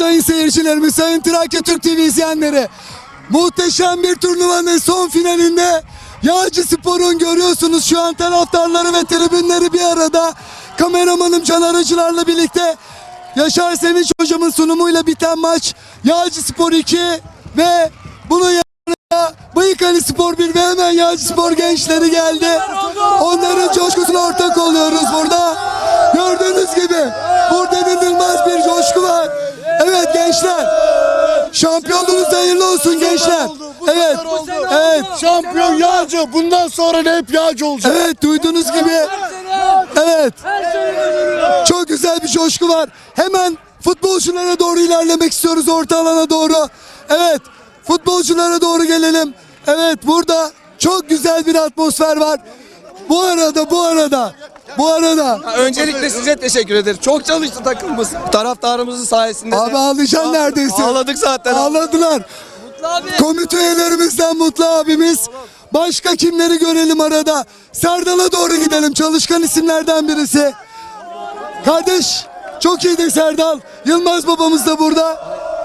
sayın seyircilerimiz, sayın Trakya Türk TV izleyenleri. Muhteşem bir turnuvanın son finalinde Yağcıspor'un görüyorsunuz şu an taraftarları ve tribünleri bir arada. Kameramanım Can Aracılar'la birlikte Yaşar Sevinç hocamın sunumuyla biten maç Yağcıspor 2 ve bunun yanında Bayıkali Spor 1 ve hemen Yağcıspor gençleri geldi. Onların coşkusuna ortak oluyoruz burada. Gördüğünüz gibi burada inanılmaz bir coşku var. Evet gençler, şampiyonluğunuz hayırlı olsun gençler. Evet, evet. Şampiyon Yağcı. Bundan sonra da hep Yağcı olacak. Evet, duyduğunuz gibi. Evet. Çok güzel bir coşku var. Hemen futbolculara doğru ilerlemek istiyoruz, orta alana doğru. Evet, futbolculara doğru gelelim. Evet, burada çok güzel bir atmosfer var. Bu arada. Öncelikle size teşekkür ederim. Çok çalıştı takımımız. Taraftarımızın sayesinde. Abi ağlayacaksın neredeyse. Ağladık zaten. Ağladılar. Komite üyelerimizden Mutlu abimiz. Başka kimleri görelim arada? Serdal'a doğru gidelim. Çalışkan isimlerden birisi. Kardeş çok iyiydi Serdal. Yılmaz babamız da burada.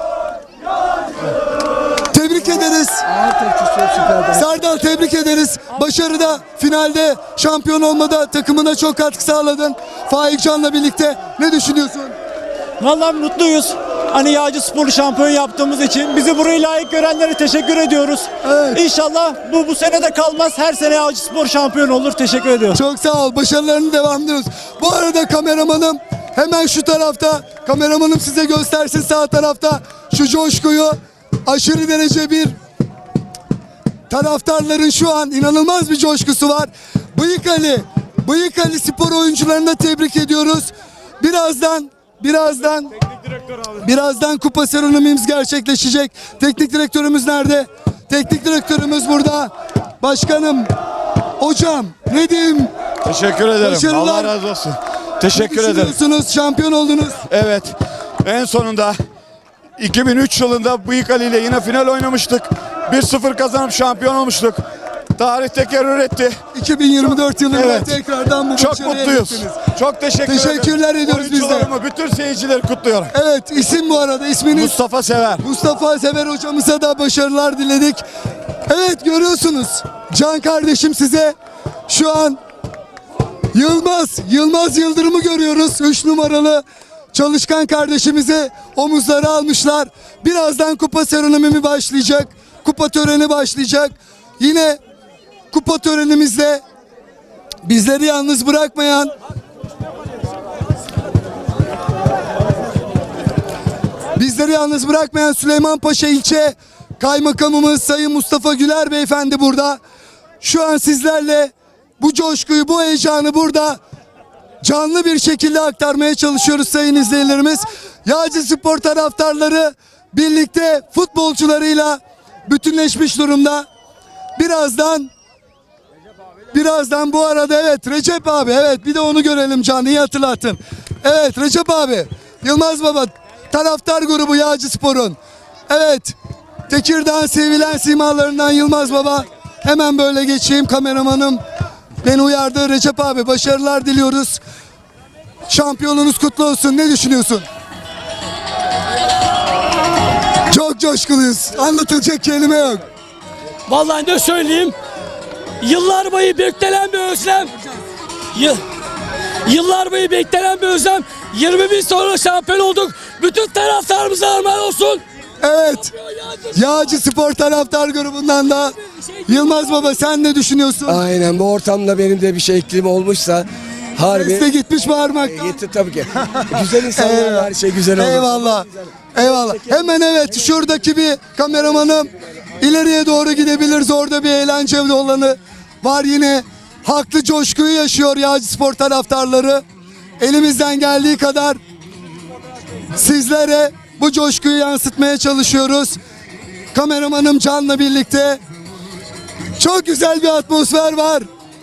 Tebrik ederiz. Serdal tebrik ederiz. Başarıda, finalde, şampiyon olmada takımına çok katkı sağladın. Faik Can'la birlikte ne düşünüyorsun? Vallahi mutluyuz. Hani Yağcıspor'u şampiyon yaptığımız için bizi buraya layık görenlere teşekkür ediyoruz. Evet. İnşallah bu sene de kalmaz. Her sene Yağcıspor şampiyon olur. Teşekkür ediyorum. Çok sağ ol. Başarılarını devam ediyoruz. Bu arada kameramanım hemen şu tarafta. Kameramanım size göstersin sağ tarafta. Şu coşkuyu aşırı derece bir taraftarların şu an inanılmaz bir coşkusu var. Bayıkali Spor oyuncularını da tebrik ediyoruz. Birazdan kupa seremonimiz gerçekleşecek. Teknik direktörümüz nerede? Teknik direktörümüz burada. Başkanım, hocam ne diyeyim? Teşekkür ederim. Başarılar. Allah razı olsun. Teşekkür Ne ederim. düşünüyorsunuz? Şampiyon oldunuz. Evet. En sonunda 2003 yılında Bayıkali ile yine final oynamıştık. 1-0 kazanıp şampiyon olmuştuk. Tarih tekerrür etti. 2024 yılında Evet. tekrardan bu Çok başarıya mutluyuz. eriştiniz. Çok Teşekkürler ediyoruz biz de. Oyuncularımı, bütün seyircileri kutluyorum. Evet, isim bu arada isminiz? Mustafa Sever. Mustafa Sever hocamıza da başarılar diledik. Evet, görüyorsunuz Can kardeşim size şu an Yılmaz Yıldırım'ı görüyoruz. 3 numaralı çalışkan kardeşimizi omuzlara almışlar. Birazdan kupa seremonimi başlayacak. Kupa töreni başlayacak. Yine kupa törenimizde bizleri yalnız bırakmayan Süleymanpaşa ilçe kaymakamımız Sayın Mustafa Güler beyefendi burada. Şu an sizlerle bu coşkuyu, bu heyecanı burada canlı bir şekilde aktarmaya çalışıyoruz sayın izleyicilerimiz. Yağcıspor taraftarları birlikte futbolcularıyla bütünleşmiş durumda. Birazdan bu arada evet Recep abi, evet bir de onu görelim Can, iyi hatırlattın. Evet Recep abi, Yılmaz baba, taraftar grubu Yağcıspor'un. Evet, Tekirdağ'ın sevilen simalarından Yılmaz baba. Hemen böyle geçeyim, kameramanım beni uyardı. Recep abi başarılar diliyoruz. Şampiyonunuz kutlu olsun. Ne düşünüyorsun? Çok coşkuluyuz. Anlatılacak kelime yok. Vallahi ne söyleyeyim? Yıllar boyu beklenen bir özlem. Yıllar boyu beklenen bir özlem. 20 bin sonra şampiyon olduk. Bütün taraftarımıza armağan olsun. Evet. Yağcıspor taraftar grubundan da Yılmaz baba, sen ne düşünüyorsun? Aynen, bu ortamda benim de bir şey eklim olmuşsa harbi. Sesle gitmiş bağırmaktan. Gitti tabii ki. Güzel insanlar, her şey güzel olur. Eyvallah. Eyvallah. Hemen evet, şuradaki bir kameramanım ileriye doğru gidebiliriz. Orada bir eğlence olanı var yine. Haklı coşkuyu yaşıyor Yağcıspor taraftarları. Elimizden geldiği kadar sizlere bu coşkuyu yansıtmaya çalışıyoruz. Kameramanım Can'la birlikte. Çok güzel bir atmosfer var.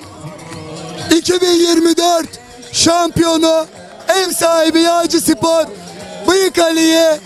2024 şampiyonu, ev sahibi Yağcıspor Bayıkali'yi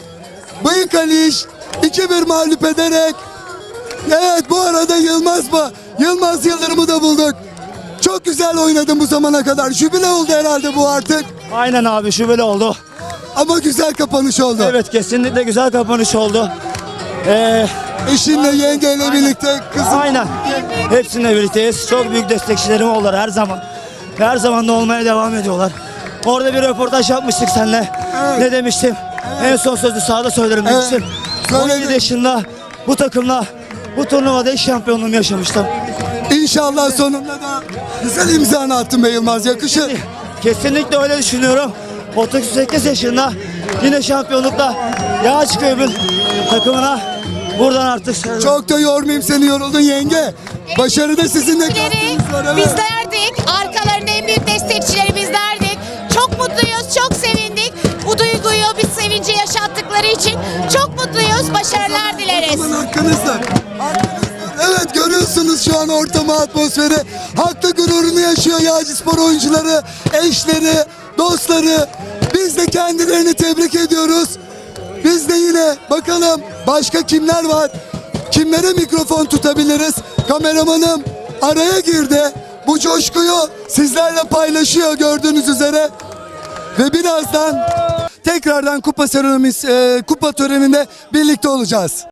2-1 mağlup ederek, evet bu arada Yılmaz Yıldırım'ı da bulduk. Çok güzel oynadın bu zamana kadar. Jübile oldu herhalde bu artık. Aynen abi, şubeli oldu. Ama güzel kapanış oldu. Evet, kesinlikle güzel kapanış oldu. Eşinle, yengeyle birlikte kızım. Aynen. Hepsininle birlikteyiz. Çok büyük destekçilerim oldular her zaman. Her zaman da olmaya devam ediyorlar. Orada bir röportaj yapmıştık seninle. Evet. Ne demiştim? En son sözü sahada söylerim Evet. demiştim. Söyledin. 17 yaşında bu takımla bu turnuvada ilk şampiyonluğumu yaşamıştım. İnşallah sonunda da güzel imzanı attın be Yılmaz. Yakışır. Kesinlikle öyle düşünüyorum. 38 yaşında yine şampiyonlukla Yağaçköy'ün takımına buradan artık Çok da yormayayım seni, yoruldun yenge. Başarı da sizinle. katkınız var, evet. Bizlerdik. Arkalarında en büyük destekçileri bizlerdik. Çok mutluyuz, çok sevindik. Bu duyguyu, biz sevinci yaşattıkları için çok mutluyuz. Başarılar dileriz. Aman hakkınızda. Evet, görüyorsunuz şu an ortamı, atmosferi. Haklı gururunu yaşıyor Yağcıspor oyuncuları, eşleri, dostları. Biz de kendilerini tebrik ediyoruz. Biz de yine bakalım başka kimler var? Kimlere mikrofon tutabiliriz? Kameramanım araya girdi. Bu coşkuyu sizlerle paylaşıyor gördüğünüz üzere. Ve birazdan tekrardan kupa töreninde birlikte olacağız.